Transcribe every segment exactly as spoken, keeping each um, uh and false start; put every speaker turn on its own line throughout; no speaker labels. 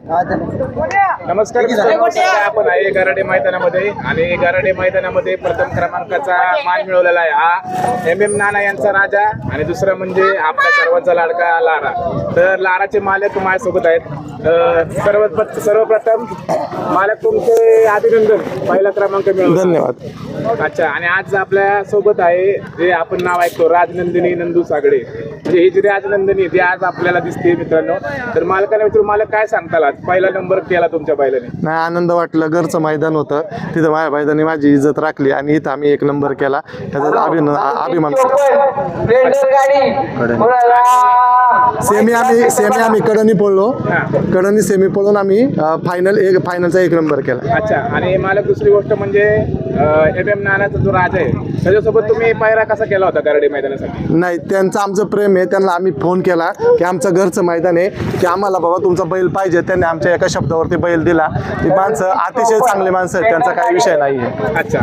नमस्कार आपण आहे गराडे मैदानामध्ये आणि गराडे मैदानामध्ये प्रथम क्रमांकाचा मान मिळवलेला आहे हा एम एम नाना यांचा राजा आणि दुसरा म्हणजे आपला सर्वांचा लाडका लारा. तर लाराचे मालक माझ्यासोबत आहेत. सर्व सर्वप्रथम मालक तुमचे अभिनंदन, पहिला क्रमांक मिळवला.
धन्यवाद.
अच्छा, आणि आज आपल्या सोबत आहे जे आपण नाव ऐकतो राजनंदिनी नंदू सागडे, म्हणजे ही जी राजनंदिनी ती आज आपल्याला दिसते मित्रांनो. तर मालकाने मित्र मला काय सांगताल, आज पहिला नंबर केला तुमच्या बैलाने?
नाही, आनंद वाटलं. घरचं मैदान होतं, तिथं माझ्या बैलाने माझी इज्जत राखली आणि इथं आम्ही एक नंबर केला, त्याचा अभिनंदन अभिमान. सेमी आम्ही सेमी आम्ही कडनी पडलो, कडनी सेमी पडून आम्ही फायनल एक फायनलचा एक नंबर केला.
अच्छा, आणि मालक दुसरी गोष्ट म्हणजे एम एम नानाचा जो राजा आहे त्याच्यासोबत तुम्ही पायरा कसा केला होता गराडे मैदानासाठी?
नाही, त्यांचं आमचं प्रेम आहे. त्यांना आम्ही फोन केला की आमचं घरचं मैदान आहे, की आम्हाला बाबा तुमचा बैल पाहिजे. त्यांनी आमच्या एका शब्दावरती बैल दिला. ती माणसं अतिशय चांगली माणसं आहेत, त्यांचा काही विषय नाही आहे.
अच्छा,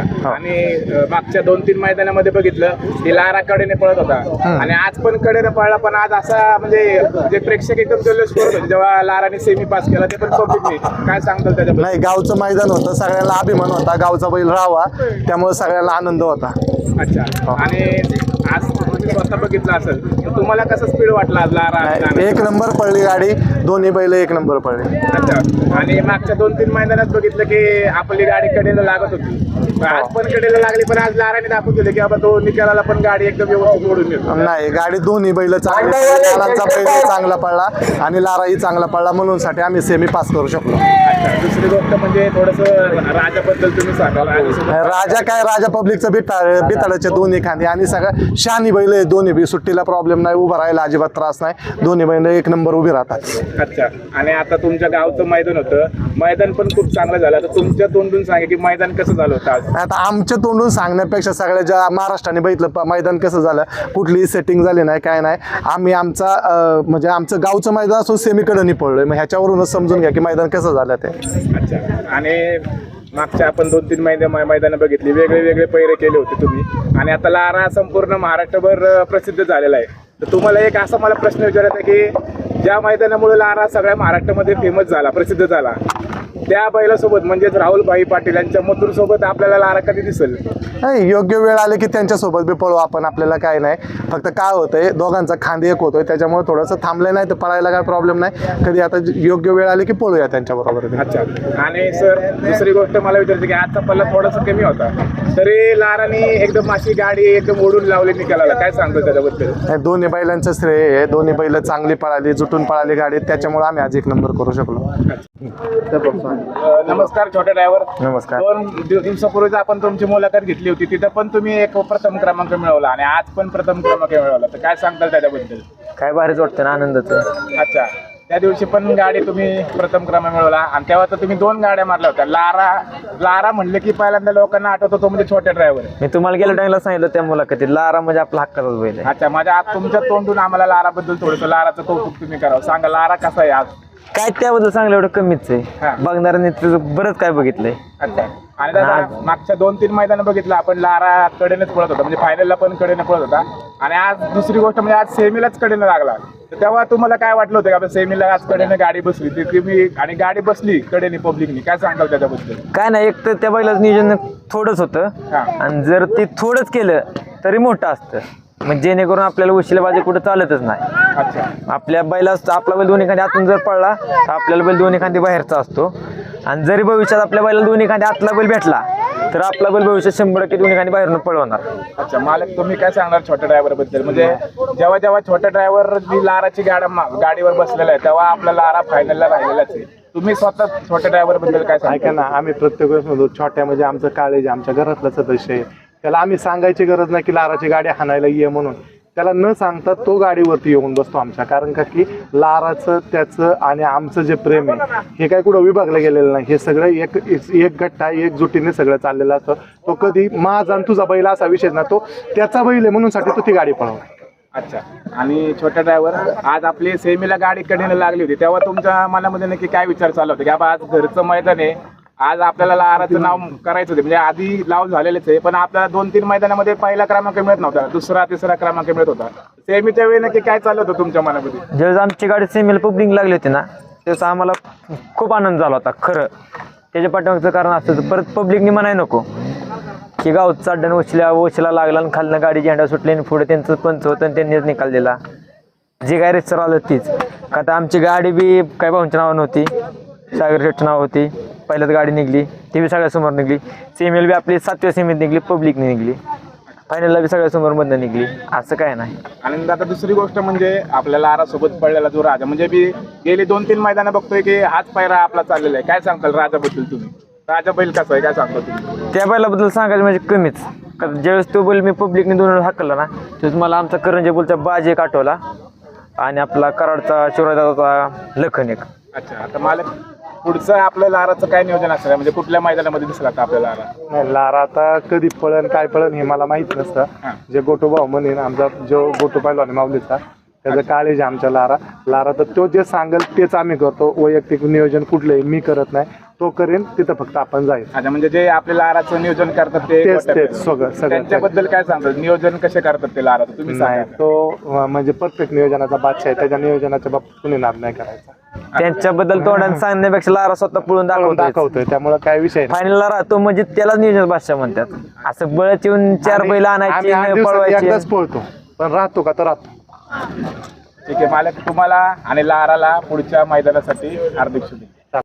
आणि मागच्या दोन तीन मैदानामध्ये बघितलं की लारा कडेने पळत होता आणि आज पण कडेने पळला, पण आज असा म्हणजे जे प्रेक्षक एकदम जल्लोष करत होते जेव्हा लाराने सेमी पास केला, ते पण पब्लिकने काय सांगतात त्याच्याबद्दल?
नाही, गावचं मैदान होतं, सगळ्यांना अभिमान होता, गावचा बैल राहावा, त्यामुळे सगळ्यांना आनंद होता.
अच्छा, आणि आज तुम्ही स्वतः बघितलं असेल तर तुम्हाला कसं स्पीड वाटला आज लारा?
एक नंबर पडली गाडी, दोन्ही बैल एक नंबर पडली.
अच्छा, आणि मागच्या दोन तीन मैदानात बघितलं की आपली गाडी कडेला लागत होती, आज पण कडेला लागली, पण आज लाराने दाखवून दिले की बाबा तो निकालाला पण गाडी एकदम व्यवस्थित ओढून येतो.
नाही, गाडी दोन्ही बैल चांगली, लारांचा बैल चांगला पडला आणि लाराही चांगला पडला, म्हणून साठी आम्ही सेमी पास करू शकलो.
अच्छा, दुसरी गोष्ट म्हणजे थोडस राजाबद्दल तुम्ही सांगाल?
राजा काय, राजा पब्लिकचं बिताळ बिताळाचे दोन्ही खांदी आणि सगळं शहाणी बैल आहे, दोन्ही बी सुट्टीला प्रॉब्लेम नाही, उभं राहायला अजिबात त्रास नाही, दोन्ही बैल एक नंबर उभी राहतात.
अच्छा, आणि आता तुमच्या गावचं मैदान होतं, मैदान पण खूप चांगलं झालं. आता तुमच्या तोंडून सांगा की मैदान कसं झालं होतं आज?
आता आमच्या तोंडून सांगण्यापेक्षा सगळ्या ज्या महाराष्ट्राने बघितलं मैदान कसं झालं, कुठलीही सेटिंग झाली नाही, काय नाही. आम्ही आमचा म्हणजे आमचं गावचं मैदान असून सेमीकडे पडलोय, मग ह्याच्यावरूनच समजून घ्या की मैदान कसं झालं ते.
अच्छा, आणि मागच्या आपण दोन तीन मैदान मैदानं बघितली, वेगळे वेगळे पैरे केले होते तुम्ही, आणि आता लारा संपूर्ण महाराष्ट्रभर प्रसिद्ध झालेला आहे. तर तुम्हाला एक असा मला प्रश्न विचारायचा आहे की ज्या मैदानामुळे लारा सगळ्या महाराष्ट्रामध्ये फेमस झाला, प्रसिद्ध झाला, त्या बैलासोबत म्हणजेच राहुल भाई पाटील यांच्या मथुर सोबत आपल्याला लारा कधी दिसेल?
नाही, योग्य वेळ आले की त्यांच्यासोबत बी पळू आपण, आपल्याला काय नाही. फक्त काय होतंय, दोघांचा खांदी एक होतोय, त्याच्यामुळे थोडंसं थांबलं नाही तर पळायला काय प्रॉब्लेम नाही. कधी आता योग्य वेळ आली की पळूया त्यांच्याबरोबर.
अच्छा, आणि सर दुसरी गोष्ट मला विचारायची की आजचा पल्ला थोडासा कमी होता, तरी लाराने एकदम अशी गाडी एकदम ओढून लावली निकालाला, काय सांगतो त्याच्याबद्दल?
दोन्ही बैलांचं श्रेय आहे, दोन्ही बैल चांगली पळाली, जुटून पळाली गाडी, त्याच्यामुळे आम्ही आज एक नंबर करू शकलो.
नमस्कार छोटे ड्रायव्हर.
नमस्कार.
दोन दिवसापूर्वीच आपण तुमची मुलाखत घेतली होती, तिथं पण तुम्ही एक प्रथम क्रमांक मिळवला आणि आज पण प्रथम क्रमांक मिळवला, तर काय सांगताल त्याच्याबद्दल?
काय भारीच वाटतं ना, आनंदाचं.
अच्छा, त्या दिवशी पण गाडी तुम्ही प्रथम क्रमांक मिळवला आणि तेव्हा तर तुम्ही दोन गाड्या मारल्या होत्या. लारा लारा म्हणले की पहिल्यांदा लोकांना आठवतो तो म्हणजे छोटे ड्रायव्हर.
मी तुम्हाला गेल्या टाइमला सांगितलं त्या मुलाखतीत, लारा म्हणजे आपला हक्काचाच बैल आहे.
अच्छा, माझ्या आज तुमच्या तोंडून आम्हाला लाराबद्दल थोडंसं लाराचं कौतुक तुम्ही करावं. सांगा लारा कसा आहे आज?
काय त्याबद्दल सांगलं एवढं कमीच
हा.
आहे, बघणाऱ्यांनी त्याचं बरंच काय बघितलंय.
अच्छा, आणि दादा मागच्या दोन तीन मैदानं बघितलं आपण, लारा कडेनेच पळत होता, म्हणजे फायनलला पण कडेने पळत होता, आणि आज दुसरी गोष्ट म्हणजे आज सेमीलाच कडेने लागला. तर तेव्हा तुम्हाला काय वाटलं होतं की आपण सेमीला आज कडेने गाडी बसली ती तुम्ही, आणि गाडी बसली कडेने पब्लिकनी, काय सांगाल त्याच्याबद्दल?
काय नाही, एक तर त्या बैलाचं नियोजन थोडंच होतं, आणि जर ते थोडंच केलं तरी मोठं असतं, म्हणजे जेणेकरून आपल्याला उशिलाबाजी कुठं चालतच नाही.
अच्छा,
आपल्या बैला आपला बैल दोन्ही खांदी आतून जर पडला तर आपल्याला बैल दोन्ही खांदी बाहेरचा असतो, आणि जरी भविष्यात आपल्या बैला दोन्ही खांदी आतला बैल भेटला तर आपला बैल भविष्यात शंभर टक्के दोन्ही खांदी बाहेरून पळवणार.
अच्छा, मालक तुम्ही काय सांगणार छोट्या ड्रायव्हर बद्दल? म्हणजे जेव्हा जेव्हा छोट्या ड्रायव्हर लाराची गाड्या गाडीवर बसलेला आहे तेव्हा आपला लारा फायनलला राहिलेलाच आहे. तुम्ही स्वतः छोट्या ड्रायव्हर बद्दल काय सांगा?
ऐका ना, आम्ही प्रत्येक वेळेस म्हणतो छोट्या म्हणजे आमचं काळेज, आमच्या घरातलं सदस्य आहे, त्याला आम्ही सांगायची गरज नाही की लाराची गाडी हाणायला ये म्हणून. त्याला न सांगता तो गाडीवरती येऊन बसतो आमच्या, कारण का की लाराचं त्याचं आणि आमचं जे प्रेम आहे हे काय कुठं विभागलं गेलेलं नाही, हे सगळं एक एक गट्टा एकजुटीने सगळं चाललेलं असतं. तो कधी माझा आणि तुझा बैल असा विषय ना, तो त्याचा बैल आहे म्हणून साठी तो ती गाडी पळवणार.
अच्छा, आणि छोटा ड्रायव्हर आज आपली सेमीला गाडी कडेने लागली होती तेव्हा तुमच्या मनामध्ये नक्की काय विचार चालू होते की बाबा आज घरचं मैदान आहे, आज आपल्याला लाराचं नाव करायचं होतं, म्हणजे आधी लाव झालेलेच आहे, पण आपल्याला दोन तीन मैदानामध्ये पहिला क्रमांक मिळत नव्हता, दुसरा तिसरा क्रमांक मिळत होता. सेमीच्या वेळी नक्की काय चालू होतं तुमच्या मनामध्ये?
ज्यावेळेस आमची गाडी सेमीला पब्लिक लागली होती ना, त्याचा आम्हाला खूप आनंद झाला होता खरं. त्याच्या पाठीमागचं कारण असतं होतं, परत पब्लिकनी म्हणाय नको की गाव चाड्डण वशिला वशिला लागला आणि खालनं गाडी झेंडा सुटली आणि पुढे त्यांचं पंच होतं आणि त्यांनीच निकाल दिला. जे काय रेसर आलं तीच का तर आमची गाडी बी काय भाऊंच्या नावानं होती, सागर शेटचं नाव होती, पहिल्याच गाडी निघली ती बी सगळ्यासमोर निघली. सेमीला बी आपली सातव्या सेमीत निघली, पब्लिकने निघली, फायनलला बी सगळ्यासमोर मधनं निघली. असं काय नाही.
आणि आता दुसरी गोष्ट म्हणजे आपल्याला लारासोबत पडलेला जो राजा म्हणजे मी गेली दोन तीन मैदानं बघतोय की हाच पायरा आपला चाललेला आहे. काय सांगताल राजाबद्दल तुम्ही? राजा बैल कसा आहे काय सांगता तुम्ही?
त्या बैलाबद्दल सांगायचं म्हणजे कमीच. कारण ज्यावेळेस तो बैल मी पब्लिकने दोन वेळा हाकलला ना त्यावेळेस मला आमचा करंजे बोलचा बाज एक आठवला आणि आपला कराडचा शिवराजाचा लखन एक.
अच्छा, आता मला पुढचं आपलं लाराचं काय नियोजन असणार म्हणजे कुठल्या मैदानामध्ये दिसला का आपल्या लारा?
नाही, लारा आता कधी पळण काय पळण हे मला माहित नसतं.
हां.
जे गोटू भाऊ म्हणे ना, आमचा जो गोटू पहिलवान माऊलीचा त्याचं काळेज आमच्या लारा लारा तर तो जे सांगेल तेच आम्ही करतो. वैयक्तिक नियोजन कुठलंही मी करत नाही, तो करेन तिथं फक्त आपण जायचं.
अच्छा, म्हणजे जे आपल्या लाराचं नियोजन करतात ते
तेच तेच सगळं सगळं
त्यांच्याबद्दल काय सांगतात? नियोजन कसे करतात ते लाराचं तुम्ही
नाही,
सांगा.
तो अं, म्हणजे परफेक्ट नियोजनाचा बादशाह आहे. त्याच्या नियोजनाच्या बाबतीत कुणी नाद नाही करायचा.
त्यांच्याबद्दल तोंडाने सांगण्यापेक्षा लारा स्वतः पळून
पळून
दाखवतो.
दाखवतोय त्यामुळे काय विषय नाही.
फायनलला राहतो म्हणजे त्यालाच नियोजन भाषा म्हणतात. असं बळच येऊन चार बैल
आम्ही आठ
आणायची
दिवसात
पळवायची.
एकदाच पळतो, पण राहतो का तर राहतो.
ठीक आहे मालक, तुम्हाला आणि लाराला पुढच्या मैदानासाठी हार्दिक शुभेच्छा.